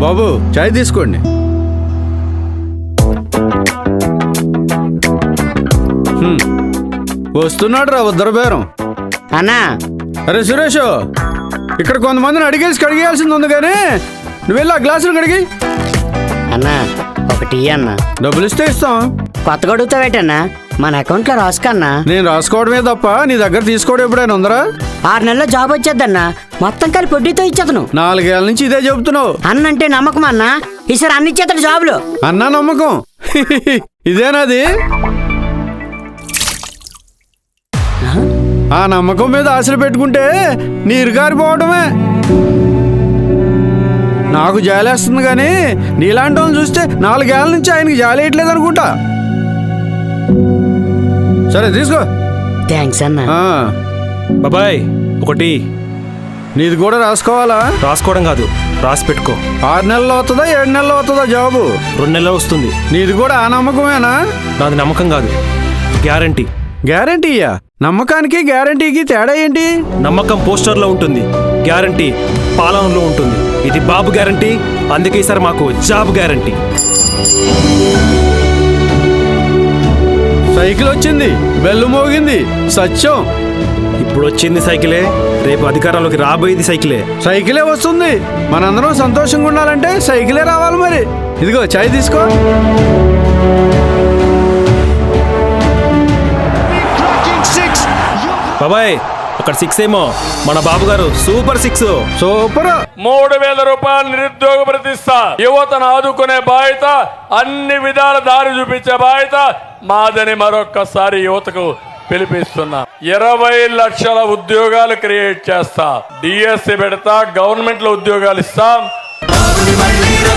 బాబు చాయ్ తీసుకోండి. వస్తున్నాడు రా ఉద్దర బేరం. అన్నా అరే సురేష్, ఇక్కడ కొంతమందిని అడిగేసి కడిగేయాల్సింది ఉంది కానీ నువ్వు వెళ్ళి ఆ గ్లాసులు కడిగి. అన్నా ఒకటి అన్నా. డబ్బులు ఇస్తే ఇస్తాం. కొత్తగా అడుగుతావేటన్నా? మన అకౌంట్లో రాసుకన్నా. నేను రాసుకోవడమే తప్ప నీ దగ్గర తీసుకోవడం ఎప్పుడైనా ఉందరా? 6 నెలల్లో జాబ్ వచ్చేద్దన్నా. మొత్తం కలిపి వడ్డీతో ఇచ్చేతను. 4 ఏళ్ళ నుంచి ఇదే చెబుతున్నావు. అన్నంటే నమ్మకం అన్నా. ఈసారి అన్ని ఇచ్చేతడు జాబులు. అన్నా నమ్మకం ఇదేనాది? ఆ నమ్మకం మీద ఆశలు పెట్టుకుంటే నీరు గారిపోవడమే. నాకు జాలేస్తుంది కానీ నీలాంటి వాళ్ళని చూస్తే 4 ఏళ్ళ నుంచి ఆయనకి జాలేయట్లేదు అనుకుంటా. సరే తీసుకో. థ్యాంక్స్ అన్నా. బాబాయ్ ఒకటి. నీది కూడా రాసుకోవాలా? రాసుకోవడం కాదు, రాసి పెట్టుకో. 6 నెలలు అవుతుందా 7 నెలలు అవుతుందా జాబు? 2 నెలలు వస్తుంది. నీది కూడా ఆ నమ్మకమేనా? నాది నమ్మకం కాదు, గ్యారంటీ. గ్యారంటీయా? నమ్మకానికి గ్యారంటీకి తేడా ఏంటి? నమ్మకం పోస్టర్లో ఉంటుంది, గ్యారంటీ పాలనలో ఉంటుంది. ఇది బాబు గ్యారంటీ, అందుకే సార్ మాకు జాబ్ గ్యారంటీ. సైకిల్ వచ్చింది, బెల్లు మోగింది, సత్యం. ఇప్పుడు వచ్చింది సైకిలే, రేపు అధికారంలోకి రాబోయేది సైకిలే. సైకిలే వస్తుంది. మనందరం సంతోషంగా ఉండాలంటే సైకిలే రావాలి. మరి ఇదిగో చాయ్ తీసుకో. బాబాయ్ అక్కడ 6 ఏమో, మన బాబు గారు సూపర్ 6. సూపర్. 3000 రూపాయలు నిరుద్యోగ ప్రతిష్ట. యువతను ఆదుకునే బాధ్యత, అన్ని విధాల దారి చూపించే బాధ్యత మాదని మరొక్కసారి యువతకు పిలిపిస్తున్నా. 20 లక్షల ఉద్యోగాలు క్రియేట్ చేస్తా. డిఎస్సి పెడతా, గవర్నమెంట్ లో ఉద్యోగాలు ఇస్తాం.